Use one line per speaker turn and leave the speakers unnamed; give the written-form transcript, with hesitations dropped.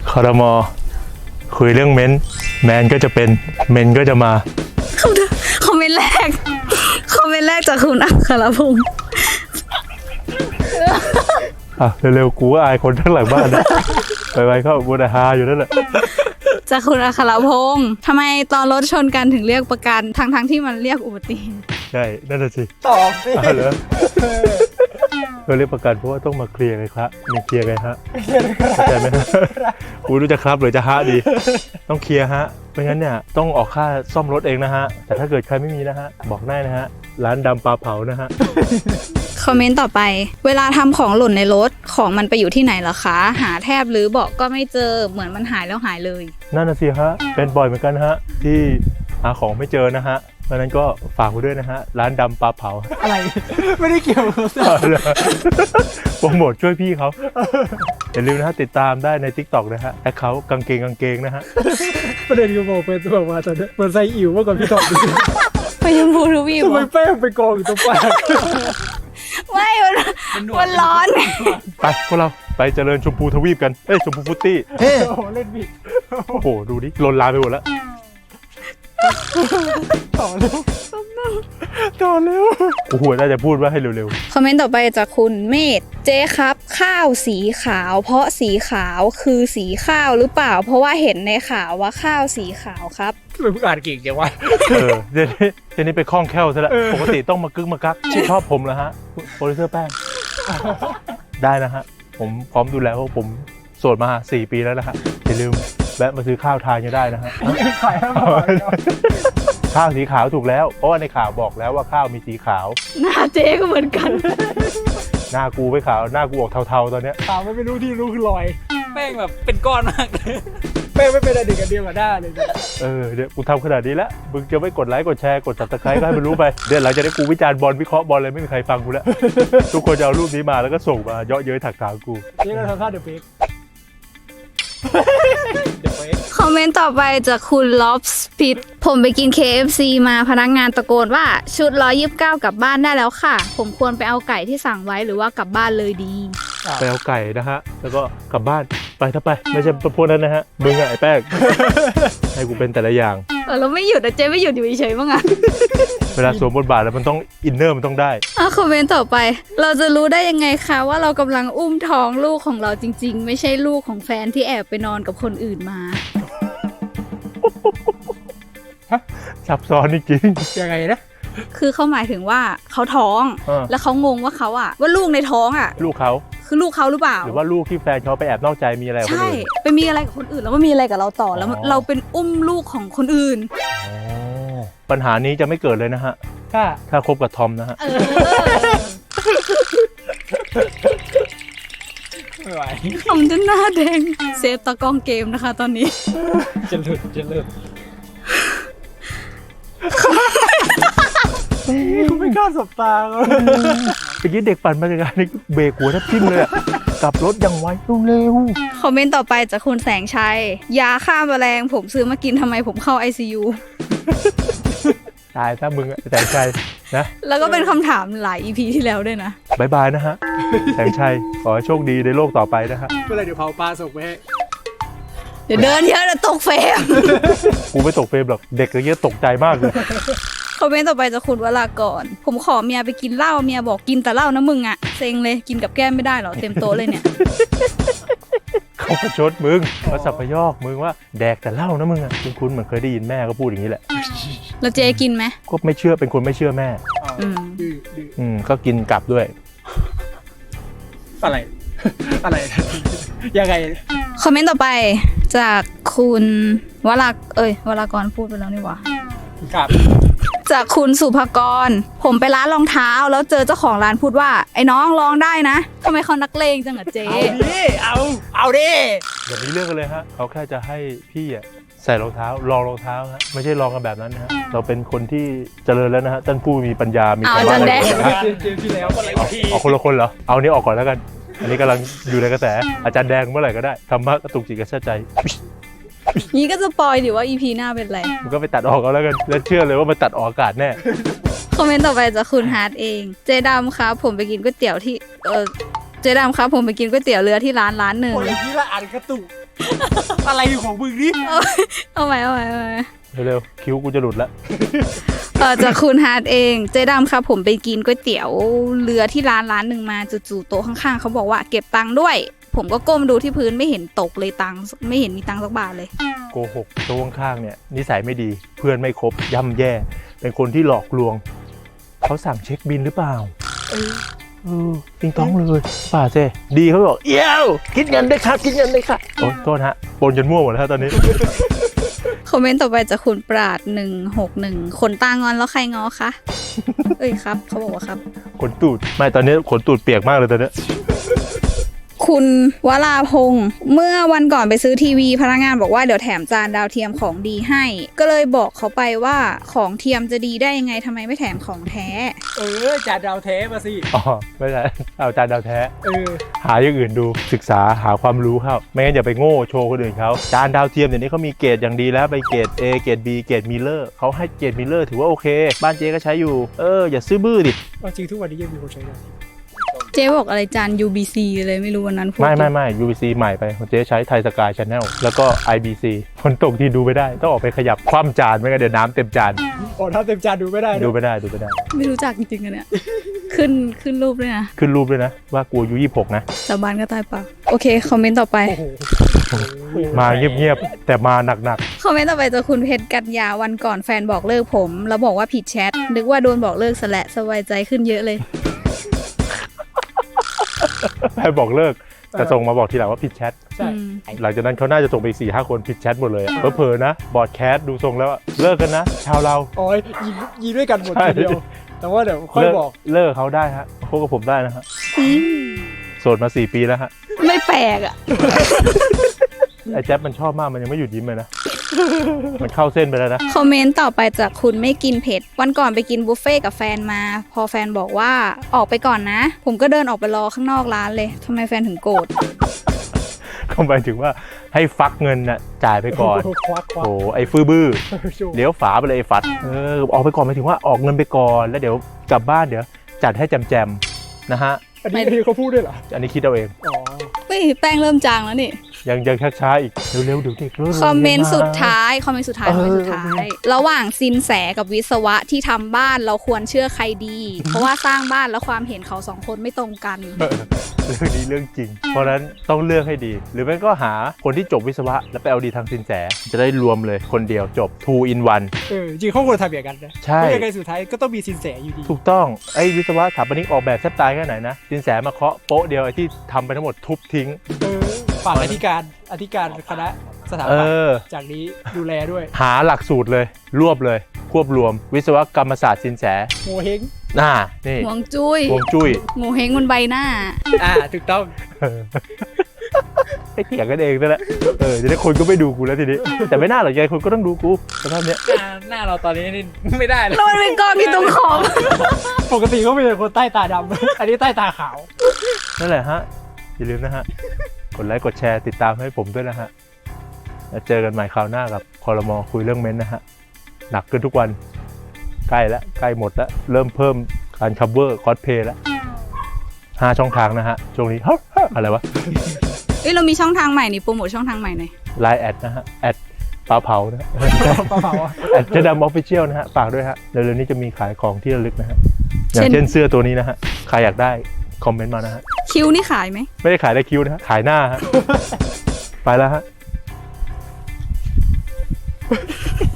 ครม.คุยเรื่องเม้นแมนก็จะเป็นเมนก็จะมา
คอมเมนต์แรกจากคุณอัครพงศ์
เร็วๆกูก็อายคนทั้งหลังบ้านนะไปเข้าบูดาฮาอยู่นั่นแหละ
จากคุณอัครพงศ์ทำไมตอนรถชนกันถึงเรียกประกันทั้งที่มันเรียกอุบัติเหตุ
ใช่นั่นแหละสิ
ตอบสิ
เหรอเราเรียกประกันเพราะว่าต้องมาเคลียร์ไงครับมีเคลียร์ไงฮะเข้าใจไหมกูรู้จะครับหรือจะฮะดีต้องเคลียร์ฮะไม่งั้นเนี่ยต้องออกค่าซ่อมรถเองนะฮะแต่ถ้าเกิดใครไม่มีนะฮะบอกได้นะฮะร้านดำปลาเผานะฮะ
คอมเมนต์ต่อไปเวลาทำของหล่นในรถของมันไปอยู่ที่ไหนเหรอคะหาแทบหรือเบาะก็ไม่เจอเหมือนมันหายแล้วหายเลย
นั่นน่ะสิฮะเป็นบ่อยเหมือนกันฮะที่หาของไม่เจอนะฮะเพราะนั้นก็ฝากไว้ด้วยนะฮะร้านดำปลาเผา
อะไรไม่ได้เกี่ยว
โปรโมทช่วยพี่เขาอย่าลืมนะฮะติดตามได้ใน TikTok นะฮะแอคเคาท์กางเกงนะฮะ
ประเด็นกูบอกเป็นบอกว่าตอนนี้เหมือนใส่อิ๋วเมื่อก่อนพี่ตอบ
ไปชมพูทวีป
ทำไมแป้งไปกองอยู่ตรงปาก
ไม่มันร้อน
ไปพวกเราไปเจริญชมพูทวีปกันชมพูฟุตตี้
โอ้โหเล่นบิด
โอ้โหดูดิลนลามไปหมดแล้ว
ต่อเร็ว
โอ้โหน่าจะพูดว่าให้เร็ว
ๆคอมเมนต์ต่อไปจากคุณเมธเจ๊ครับข้าวสีขาวเพราะสีขาวคือสีข้าวหรือเปล่าเพราะว่าเห็นในข่าวว่าข้าวสีขาวครับ
เป็นผู้อ่านเก่งจังวะ
เดี๋ยวนี้ไปคล่องแคล่วซะแล้วปกติต้องมากึกมากักชื่นชอบผมเหรอฮะโปรดิวเซอร์แป้งได้นะฮะผมพร้อมดูแลเพราะผมโสดมา4 ปีแล้วนะฮะอย่าลืมแวะมาซื้อข้าวทานกันได้นะฮะ
ขาย
ข้าวสีขาวถูกแล้วเพราะว่าในข่าวบอกแล้วว่าข้าวมีสีขาว
หน้าเจ๊ก็เหมือนกัน
หน้ากูไม่ขาวหน้ากูออกเทาๆตอนเนี้ย
ขาวไม่รู้ที่รู้คือลอยแป้งแบบเป็นก้อนมากเลยแป้งไม่เป็นอะไรกันเดียวกับหน้าเลย
เดี๋ยวกูทำขนาดนี้แล้วมึงจะไม่กดไลค์กดแชร์กด Subscribe ก็ให้มันรู้ไปเดี๋ยวหลังจากนี้กูวิจารณ์บอลวิเคราะห์บอลเลยไม่มีใครฟังกูแล้วทุกคนจะเอารูปนี้มาแล้วก็ส่งมาเยาะเย้ยถักถางกู
นี่ก็ทำท่าเดอะเฟก
คอมเมนต์ต่อไปจากคุณล็อบสปิดผมไปกิน KFC มาพนักงานตะโกนว่าชุด129กลับบ้านได้แล้วค่ะผมควรไปเอาไก่ที่สั่งไว้หรือว่ากลับบ้านเลยดี
ไปเอาไก่นะฮะแล้วก็กลับบ้านไปถ้าไปไม่ใช่พวกนั้นนะฮะมึงไอ้แป้งให้กูเป็นแต่ละอย่าง
เราไม่หยุดนะเจ๊ไม่หยุดอยู่เฉยๆมั้งอะ
เวลาสวมบทบาทแล้วมันต้องอินเนอร์มันต้องได้
คอมเมนต์ต่อไปเราจะรู้ได้ยังไงคะว่าเรากำลังอุ้มท้องลูกของเราจริงๆไม่ใช่ลูกของแฟนที่แอบไปนอนกับคนอื่นมา
ซับซ้อนจริง
ๆยังไงนะ
คือเขาหมายถึงว่าเขาท้องแล้วเขางงว่าเขาอะว่าลูกในท้องอะ
ลูกเขา
คือลูกเขาหรือเปล่า
หรือว่าลูกที่แฟนเขาไปแอบนอกใจมีอะไรกับคนอื่น
ใช่ไปมีอะไรกับคนอื่นแล้วมามีอะไรกับเราต่อแล้วเราเป็นอุ้มลูกของคนอื่น
ปัญหานี้จะไม่เกิดเลยนะฮะถ้าคบกับทอมนะฮะ
ไม่ไหว
ทอมจะหน้าแดงเซฟตะกองเกมนะคะตอนนี้
จะหลุดไม่กล้าสบตาเลย
เมื่อกี้เด็กปั่นมาจากการเบรกหัวแทบทิ่มเลยกลับรถยังไวเร็ว
คอมเมนต์ต่อไปจากคุณแสงชัยยาฆ่าแมลงผมซื้อมากินทำไมผมเข้า ICU
ตายถ้ามึงแสงชัยนะ
แล้วก็เป็นคำถามหลาย EP ที่แล้วด้วยนะ
บายบายนะฮะแสงชัยขอให้โชคดีในโลกต่อไปนะฮะ
เมื่อไรเดี๋ยวเผาปลาส่งไปให้
เดี๋ยวเดินเยอะจะตกเฟรม
กูไม่ตกเฟรมหรอกเด็กอย่างเงี้ยตกใจมากเลย
คอมเมนต์ต่อไปจากคุณวรากรผมขอเมียไปกินเหล้าเมียบอกกินแต่เหล้านะมึงอะเซ็งเลยกินกับแก้มไม่ได้หรอเต็มโต๊ะเลยเนี่ย
เขาประชดมึงเขาสับพยอกมึงว่าแดกแต่เหล้านะมึงอะคุณเหมือนเคยได้ยินแม่ก็พูดอย่างนี้แหละ
แล้วเจ๊กินไหม
ก็ไม่เชื่อเป็นคนไม่เชื่อแม่ก็กินกลับด้วย
อะไรยังไง
คอมเมนต์ต่อไปจากคุณวรากรพูดไปแล้วนี่หว่า
ครับ
จากคุณสุภกรผมไปร้านรองเท้าแล้วเจอเจ้าของร้านพูดว่าไอ้น้องลองได้นะทำไมเขานักเลงจังอะเจ๊
เอาดิ
แบบนี้เรื่องกันเลยฮะเขาแค่จะให้พี่อะใส่รองเท้าลองรองเท้าฮะไม่ใช่ลองกันแบบนั้นนะฮะเราเป็นคนที่เจริญแล้วนะฮะท่านผู้มีปัญญามีความรู้
อะไร
ที่แล้ว
เอาคนละคนเหรอเอานี้ออกก่อนแล้วกันอันนี้กำลังอยู่ในกระแสอาจารย์แดงเมื่อไหร่ก็ได้ธรรมะกระตุกจิตกระชากใจ
นี้ก็จะปอยดิว่า EP หน้าเป็นไร
มันก็ไปตัดออกเอาแล้วกันแล้วเชื่อเลยว่ามันตัดออกอากาศแน่
คอมเมนต์ต่อไปจากคุณฮาร์ดเองเจดำครับผมไปกินก๋วยเตี๋ยวที่เจ๊ดำครับผมไปกินก๋วยเตี๋ยวเรือที่ร้านหนึ่ง
โอ้ยอย่างนี้ละอ่านกระตุก อะไรของมึงนี่
เอาใหม่
เร็วๆคิ้วกูจะหลุดแล้ว
จากคุณฮาร์ดเองเจ๊ดำครับผมไปกินก๋วยเตี๋ยวเรือที่ร้านหนึ่งมาจู่ๆโต๊ะข้างๆเขาบอกว่าเก็บตังค์ด้วย ผมก็ก้มดูที่พื้นไม่เห็นตกเลยตังค์ไม่เห็นมีตังค์สักบาทเลย
โกหกตัวข้างๆเนี่ยนิสัยไม่ดีเพื่อนไม่ครบย่ำแย่ เป็นคนที่หลอกลวงเขาสั่งเช็คบินหรือเปล่าติงต้องเลยป่าเจดีเขาบอกเอี้ยวคิดเงินได้ครับคิดเงินได้ค่ะโอ้โทษฮะปนจนมั่วหมดแล้วตอนนี้
คอมเมนต์ต่อไปจากคุณปราด161คนตางอนแล้วใครงอคะ เอ้ยครับเขาบอกว่าครับ
ขนตูดไม่ตอนนี้ขนตูดเปียกมากเลยตอนนี้
คุณวราพงศ์เมื่อวันก่อนไปซื้อทีวีพนักงานบอกว่าเดี๋ยวแถมจานดาวเทียมของดีให้ ก็เลยบอกเขาไปว่าของเทียมจะดีได้ยังไงทำไมไม่แถมของแท้
จ่าดาวแท้มาสิ
อ๋อไม่ใช่เอาจานดาวแท้
เออ
หาอย่างอื่นดูศึกษาหาความรู้เข้าไม่งั้นอย่าไปโง่โชว์คนอื่นเขาจานดาวเทียมเดี๋ยวนี้เขามีเกรดอย่างดีแล้วไปเกรด A เกรด B เกรดมิลเลอร์เขาให้เกรดมิลเลอร์ถือว่าโอเคบ้านเจ๊ก็ใช้อยู่อย่าซื้อบื้อดิ
จริงทุกวันนี้ยังมีคนใช้ดาวเทียม
เจ๊บอกอะไรจาน UBC เลยไม่รู้วันนั้นพูด
ไม่ UBC ใหม่ไปของเจ๊ใช้ไทยสกายชาแนลแล้วก็ IBC ฝนตกที่ดูไม่ได้ต้องออกไปขยับคว่ำจานไม่งั้นเดี๋ยวน้ำเต็มจาน
โอ้ถ้าเต็มจานดูไม่ได้นะ
ดูไม่ได้
ไม่รู้จักจริงๆอะเนี่ย ขึ้นรูปด้วยนะ
ขึ้นรูปด้วยนะว่ากลัวอายุ26นะ
สาบานก็ตายเปล่าโอเคคอมเมนต์ต่อไป
โอ้โห
มาเงียบๆแต่มาหนัก
คอมเมนต์ต่อไปจากคุณเพชรกัญญาวันก่อนแฟนบอกเลิกผม แล้วบอกว่าผิดแชทนึกว่าโดนบอกเลิกซะและสบายใจขึ้นเยอะเลย
ๆให้บอกเลิกแต่ส่งมาบอกทีหลังว่าผิดแชท
ใช่
หลังจากนั้นเขาน่าจะส่งไปอีก 4-5 คนผิดแชทหมดเลยเผลอๆนะบอดแคสต์ดูทรงแล้วอะเลิกกันนะ ชาวเรา
โอ้ยยิงด้วยกันหมดทีเดียว แต่ว่าเดี๋ยวค่อยบอก
เลิกเขาได้ฮะพบกับผมได้นะฮะโสดมา 4 ปีแล้วฮะ
ไม่แปลกอ่ะ
ไอ้แจ๊บมันชอบมากมันยังไม่หยุดยิ้มเลยนะ มันเข้าเส้นไปแล้วนะ
คอมเมนต์ต่อไปจากคุณไม่กินเผ็ด วันก่อนไปกินบุฟเฟ่ต์กับแฟนมา พอแฟนบอกว่าออกไปก่อนนะ ผมก็เดินออกไปรอข้างนอกร้านเลยทำไมแฟนถึงโกรธ
เขาหมายถึงว่าให้ฟักเงินน่ะจ่ายไปก่อน
ควัก
โอ้ไอ้ฟื้อบื้อ
โชว์
เดี๋ยวฝาไปเลยไอ้ฟัดออกไปก่อนหมายถึงว่าออกเงินไปก่อนแล้วเดี๋ยวกลับบ้านเดี๋ยวจัดให้แจมๆนะฮะ
อันนี้เขาพูดด้วยเหรอ
อันนี้คิดเอาเอง
อ๋อ
เฮ้ยแป้งเริ่มจางแล้วนี่
ยังช้าๆอีกเร็วๆเดี๋ยวเด็กเริ่ม
คอมเมนต์
รียา
สุดท้ายระหว่างซินแสกับวิศวะที่ทำบ้านเราควรเชื่อใครดี เพราะว่าสร้างบ้านแล้วความเห็นเขาสองคนไม่ตรงกัน
เรื่องนี้เรื่องจริง เพราะฉะนั้นต้องเลือกให้ดี หรือไม่ก็หาคนที่จบวิศวะแล้วไปเอาดีทางสินแสจะได้รวมเลยคนเดียวจบ 2 in 1
จริงเขาควรทำอย่างนั้นนะ
ใช่
เพราะยังไงสุดท้ายก็ต้องมีสินแสอยู่ดี
ถูกต้องไอ้วิศวะสถาปนิกออกแบบแทบตายแค่ไหนนะสินแสมาเคาะโป๊ะเดียวไอ้ที่ทำไปทั้งหมดทุบทิ้ง
ฝากอธิการคณะสถา
เอ
ปัตย์
อ
จากนี้ดูแลด้วย
หาหลักสูตรเลยรวบเลยควบรวมวิศวกรรมศาสตร์สินแส
โมเฮง
นี่
หวงจุ้ย
ฮวงจุ้ย
โงเฮงบนใบหน้า
ถูกต้อง
ให้เถียงกันเองนั่นแหละจะได้คนก็ไม่ดูกูแล้วทีนี้ แต่ไม่น่าหรอกยายคนก็ต้องดูกูสภาพเนี้ย
หน้าเราตอนนี้นี่ไม่ได้เลย
แล้วมันเป็นกองที่ตรงขอบ
ปกติเขาเป็นคนใต้ตาดำ อันนี้ใต้ตาขาว
นั่นแหละฮะอย่าลืมนะฮะกดไลค์กดแชร์ติดตามให้ผมด้วยนะฮะแล้วเจอกันใหม่คราวหน้ากับคอรมอคุยเรื่องเม้นท์นะฮะหนักขึ้นทุกวันใกล้แล้วใกล้หมดแล้วเริ่มเพิ่มการคัฟเวอร์คอสเพย์แล้ว5 ช่องทางนะฮะช่วงนี้อะไรวะ
เอ้ยเรามีช่องทางใหม่นี่โปรโมทช่องทางใหม่หน่อย
ไลน์แอดนะฮะแอดปลาเผานะ
ปลาเผาอะ
แอดเจดำออฟฟิเชียลนะฮะฝากด้วยฮะเร็วๆนี้จะมีขายของที่ระลึกนะฮะอย่างเช่นเสื้อตัวนี้นะฮะใครอยากได้คอมเมนต์มานะฮะ
คิวนี่ขายไหม
ไม่ได้ขายได้คิวนะฮะขายหน้าฮะ ไปแล้วฮะ